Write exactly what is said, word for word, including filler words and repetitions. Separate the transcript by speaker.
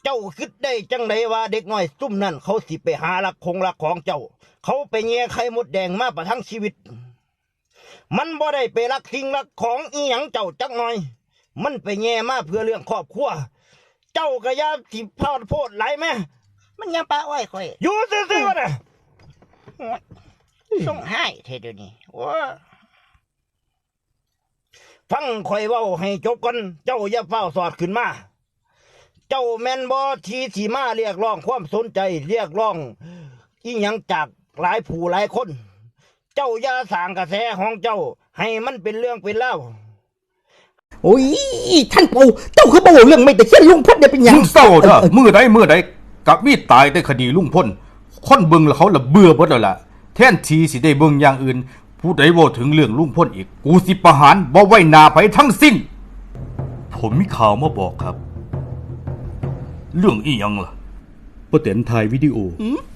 Speaker 1: เจ้าคิดได้จังไดว่าเด็กน้อยซุ่มนั่นเขาสิไปหาลักคงลักของเจ้าเขาไปแย่ไข่มดแดงมาประทังชีวิตมันบ่ได้ไปรักสิ่งรักของอีหยังเจ้าจักหน่อยมันไปแย่มาเพื่อเรื่องครอบครัวเจ้าก็อย่าสิพอดโพดหลายแม่
Speaker 2: มันยังปะอ้อยข่อย
Speaker 1: อยู่ซื่อๆวะน่ะ
Speaker 2: ส่งให้เทเดี๋ยวนี้ว้า
Speaker 1: ฟังข่อยเว้าให้จบก่อนเจ้าอย่าเฝ้าสอดขึ้นมาเจ้าแม่นบ่ที่สิมาเรียกร้องความสนใจเรียกร้องอีหยังจากหลายผู้หลายคนเจ้าอย่าสร้างกระแสของเจ้าให้มันเป็นเรื่องเป็นเล่า
Speaker 3: โอ้ยท่านปู่เจ้าคือบ่เรื่องไม่แต่เช่นลุงพลเนี่ยเป็นหยัง
Speaker 4: มึงเศร้าเด้อมื้อใดมื้อใดกับมีตายในคดีลุงพลคนเบิ่งแล้วเขาละเบื่อเบิดแล้วล่ะแทนที่สิได้เบิ่งอย่างอื่นผู้ใดเว้าถึงเรื่องลุงพลอีกกูสิประหารบ่ไว้หน้าไผทั้งสิ้นผมมีข่าวมาบอกครับเรื่องอีหยังล่ะป้าแตนถ่ายวิดีโอ